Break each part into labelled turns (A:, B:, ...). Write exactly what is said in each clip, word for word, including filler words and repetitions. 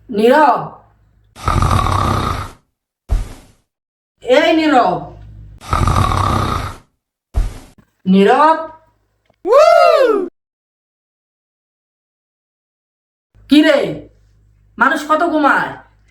A: নীরব, এই নীরব, নীরব। কি রে, মানুষ কত ঘুমায়?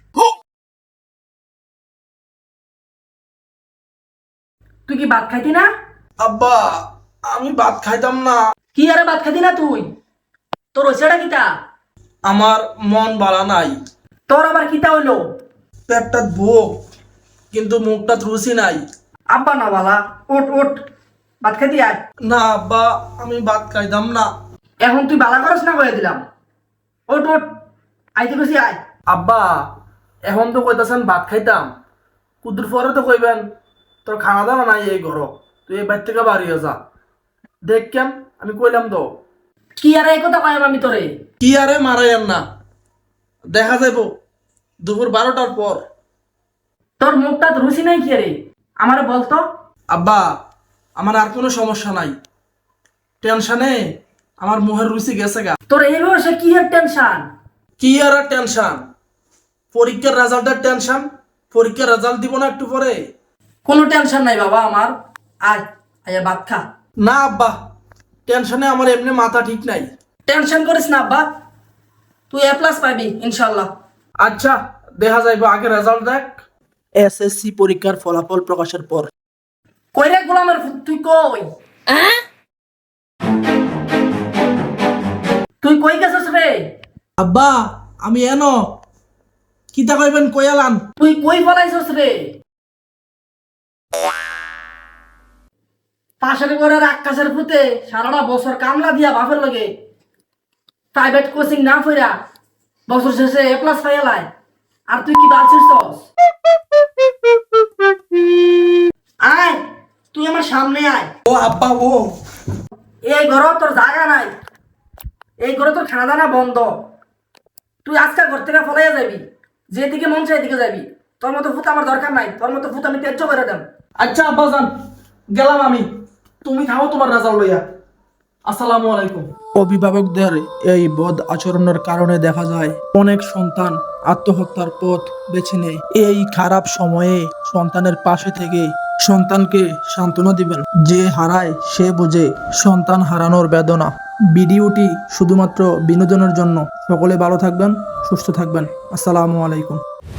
A: তুই কি ভাত খাইতি না?
B: আব্বা, আমি ভাত খাইতাম না।
A: কি আরে ভাত খাইতি না তুই? তোর হইছেটা কিতা?
B: আমার মন বালা নাই।
A: তোর আবার কিতা হইলো?
B: পেটটাত ভোগ, কিন্তু মুখটাত রুচি নাই।
A: আব্বা না বালা, ওঠ ওঠ, ভাত খাইতি আয়।
B: না আব্বা, আমি ভাত খাইতাম না।
A: এখন তুই বালা করস না কয়ে দিলাম। ওঠ ওঠ, আইতে গেছি আয়।
B: আব্বা, এখন তো কইতাছেন ভাত খাইতাম, কুদুর পরে তো কইবেন তোর খানা দানা নাই এই ঘর, তুই এই বাইর থেকে বাড়িয়ে যা। দেখ কেন আমি কইলাম তো।
A: কি আর এই কথা কয়াম আমি তোরে?
B: কি আরে মারাইয়েন না, দেখা যাইব দুপুর বারোটার পর।
A: তোর মুখটা রুচি নাই কি রে? আমারে বলতো।
B: আব্বা, আমার আর কোনো সমস্যা নাই, টেনশনে আমার মুখের রুচি গেছে গা।
A: তোর এই বয়সে কি এর টেনশন?
B: কি আর টেনশন? পরীক্ষার রেজাল্টের টেনশন। পরীক্ষার রেজাল্ট দিব না একটু পরে।
A: কোনো টেনশন নাই বাবা আমার। আয়, আয় ভাত খা।
B: না আব্বা, টেনশনে আমার এমনি মাথা ঠিক নাই।
A: টেনশন করিস না আব্বা, তুই এ প্লাস পাবি ইনশাল্লাহ।
B: আচ্ছা, দেখা যাইব, আগে রেজাল্ট দেখ। এসএসসি পরীক্ষার ফলাফল প্রকাশের পর।
A: কই রে গোলামের ফুট, তুই কই? তুই কই গেছিস রে?
B: আব্বা, আমি এনো। কিতা কইবেন কইয়ালান।
A: তুই কই ফলাইছিস রে? পাশের ঘরের আকাশের ফুতে সারাটা বছর কামলা দিয়া বাপের লগে প্রাইভেট কোচিং না ফইরা বছর শেষে এ প্লাস পাইয়ালায়, আর তুই কি বালছিস? আয়, তুই আমার সামনে আয়।
B: ও আব্বা, ও
A: এই ঘর তোর জায়গা নাই, এই ঘরে তোর খানা দানা বন্ধ। তুই আজকে ঘর থেকে ফলাইয়া যাবি, যেদিকে মন চাই এদিকে যাবি। তোর মতো ফুত আমার দরকার নাই, তোর মতো ফুত আমি ত্যায্য করে দেব।
B: আচ্ছা আব্বা যান, গেলাম আমি। তুমি থাও তোমার রেজাল্ট লইয়া। আসসালামু আলাইকুম। অভিভাবকদের এই বদ আচরণের কারণে দেখা যায় অনেক সন্তান আত্মহত্যার পথ বেছে নেয়। এই খারাপ সময়ে সন্তানের পাশে থেকে সন্তানকে সান্ত্বনা দিবেন। যে হারায় সে বোঝে সন্তান হারানোর বেদনা। ভিডিওটি শুধুমাত্র বিনোদনের জন্য। সকলে ভালো থাকবেন, সুস্থ থাকবেন। আসসালামু আলাইকুম।